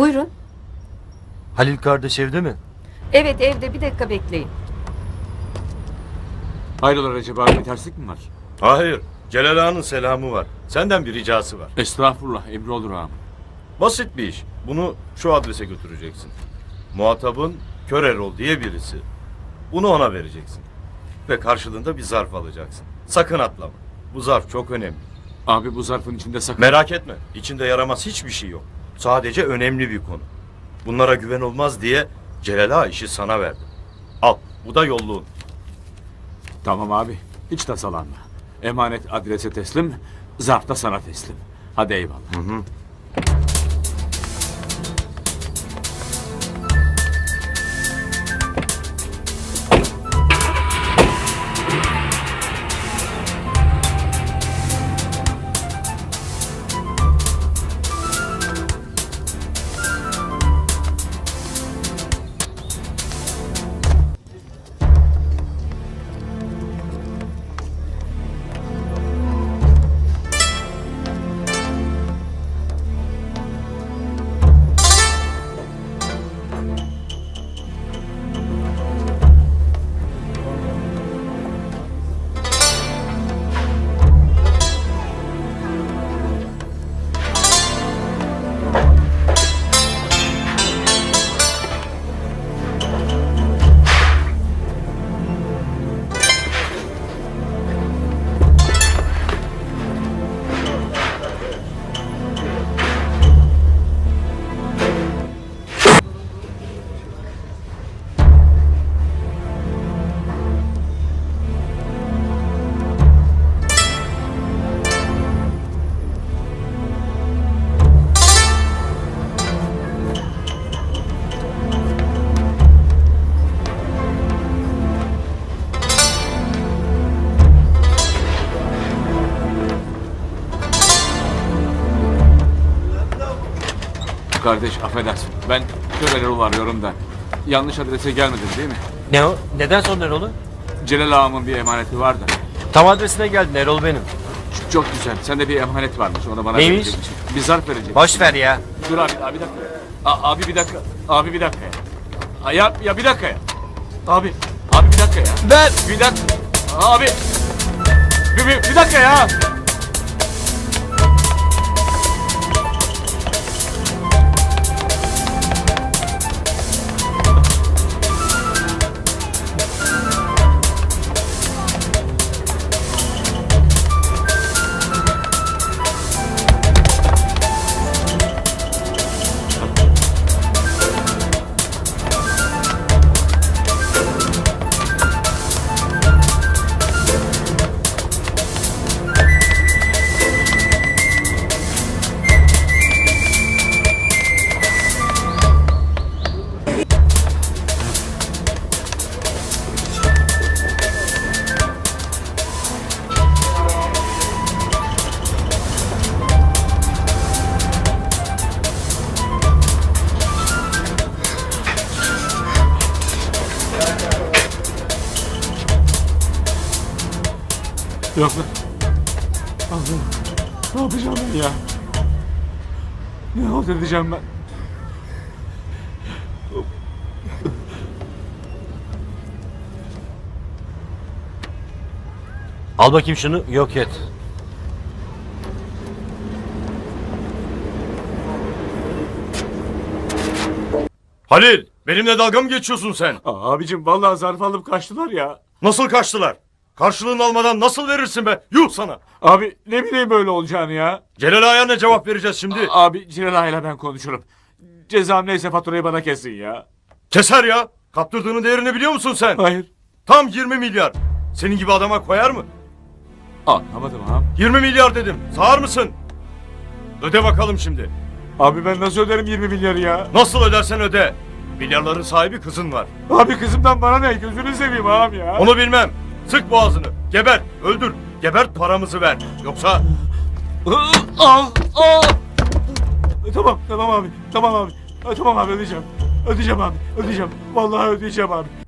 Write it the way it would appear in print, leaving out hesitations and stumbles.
Buyurun. Halil kardeş evde mi? Evet evde, bir dakika bekleyin. Hayrola Recep abi, bir terslik mi var? Hayır. Celal Ağa'nın selamı var. Senden bir ricası var. Estağfurullah, emri olur ağam. Basit bir iş. Bunu şu adrese götüreceksin. Muhatabın Kör Erol diye birisi. Bunu ona vereceksin. Ve karşılığında bir zarf alacaksın. Sakın atlama. Bu zarf çok önemli. Abi bu zarfın içinde sakın... Merak etme. İçinde yaramaz hiçbir şey yok. Sadece önemli bir konu. Bunlara güven olmaz diye Celal Ağa işi sana verdi. Al. Bu da yolluğun. Tamam abi, hiç tasalanma. Emanet adrese teslim, zarf da sana teslim. Hadi eyvallah. Kardeş affedersin, ben Kör Erol arıyorum da. Yanlış adrese gelmedin değil mi? Ne o? Neden son Erol'u? Celal ağamın bir emaneti var da. Tam adresine geldin, Erol benim. Çok güzel, sende bir emanet varmış, onu bana Neymiş? verecekmişsin. Bir zarf vereceksin. Boş ver ya. Dur abi, bir dakika. Abi bir dakika, abi bir dakika ya. Ya bir dakika ya. Abi bir dakika ya. Ver. Bir dakika. Abi. Bir dakika ya. Yok lan. Allah'ım. Ne yapacağım ben ya? Ne halt edeceğim ben? Al bakayım şunu, yok et. Halil! Benimle dalga mı geçiyorsun sen? Abicim vallahi zarf alıp kaçtılar ya. Nasıl kaçtılar? Karşılığını almadan nasıl verirsin be? Yuh sana! Abi ne bileyim böyle olacağını ya. Celal Ağa'ya ne cevap vereceğiz şimdi? Abi Celal Ağa'yla ben konuşurum. Cezam neyse faturayı bana kesin ya. Keser ya! Kaptırdığının değerini biliyor musun sen? Hayır. Tam 20 milyar. Senin gibi adama koyar mı? Anlamadım ağam. 20 milyar dedim. Sağır mısın? Öde bakalım şimdi. Abi ben nasıl öderim 20 milyarı ya? Nasıl ödersen öde. Milyarların sahibi kızın var. Abi kızımdan bana ne? Gözünü seveyim ağam ya. Onu bilmem. Sık boğazını. Geber. Öldür. Gebert paramızı ver. Yoksa... Al. Tamam abi. Tamam abi. Tamam abi ödeyeceğim. Ödeyeceğim abi. Ödeyeceğim. Vallahi ödeyeceğim abi.